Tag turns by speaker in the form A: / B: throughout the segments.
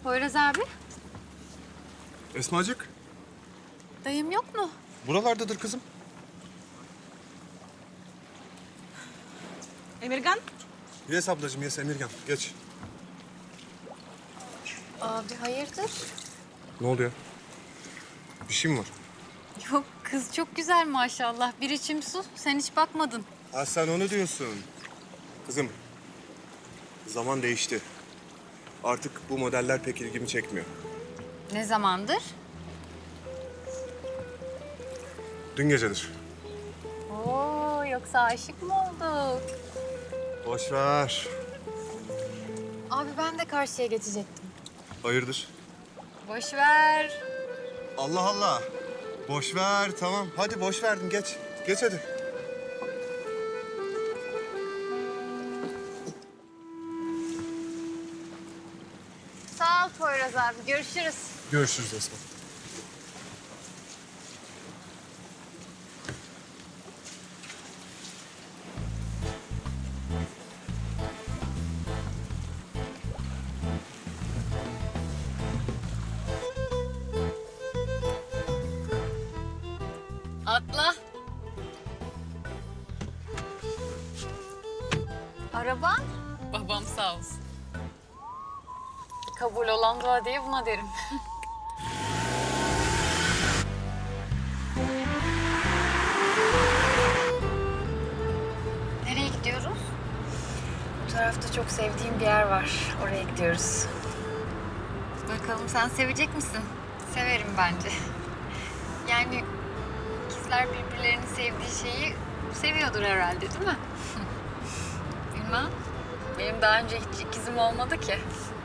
A: Poyraz abi.
B: Esmacık,
A: Dayım yok mu?
B: buralardadır kızım.
C: Emirgan,
B: Yes ablacığım, yes Emirgan. Geç.
A: Abi hayırdır?
B: Ne oldu ya? Bir şey mi var?
A: Yok kız çok güzel maşallah. Bir içim su. Sen hiç bakmadın.
B: Ha sen onu diyorsun. Kızım, zaman değişti. Artık bu modeller pek ilgimi çekmiyor.
A: Ne zamandır?
B: Dün gecedir.
A: Oo yoksa aşık mı olduk?
B: Boş ver.
A: Abi ben de karşıya geçecektim.
B: Hayırdır?
A: Boş ver.
B: Allah Allah. Boş ver, tamam. Hadi boş verdim, geç. Geç hadi.
A: Sağ ol Poyraz abi. Görüşürüz.
B: Görüşürüz Esma.
A: Atla. Araban? Babam sağ olsun. Kabul olan dua diye buna derim. Nereye gidiyoruz? Bu tarafta çok sevdiğim bir yer var. Oraya gidiyoruz. Bakalım sen sevecek misin? Severim bence. Yani ikizler birbirlerini sevdiği şeyi seviyordur herhalde değil mi? Bilmem. Benim daha önce hiç ikizim olmadı ki.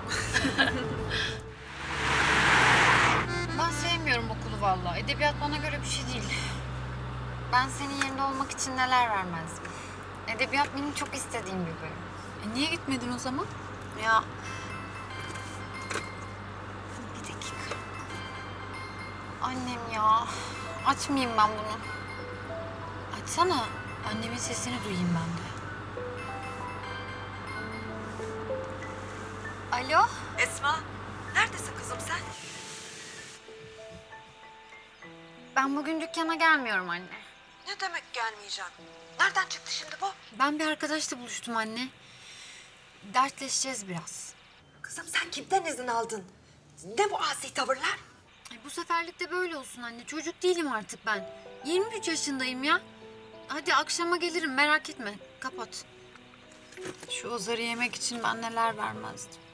A: Ben sevmiyorum okulu vallahi. Edebiyat bana göre bir şey değil. Ben senin yerinde olmak için neler vermezdim. Edebiyat benim çok istediğim bir bölüm. Niye gitmedin o zaman? Ya... Bir dakika. Annem ya. Açmayayım ben bunu. Açsana. Annemin sesini duyayım ben de. Alo?
C: Esma, neredesin kızım sen?
A: Ben bugün dükkana gelmiyorum anne.
C: Ne demek gelmeyeceğim? Nereden çıktı şimdi bu?
A: Ben bir arkadaşla buluştum anne. Dertleşeceğiz biraz.
C: Kızım sen kimden izin aldın? Ne bu asi tavırlar?
A: Bu seferlik de böyle olsun anne. Çocuk değilim artık ben. 23 yaşındayım ya. Hadi akşama gelirim merak etme. Kapat. Şu Ozar'ı yemek için ben neler vermezdim.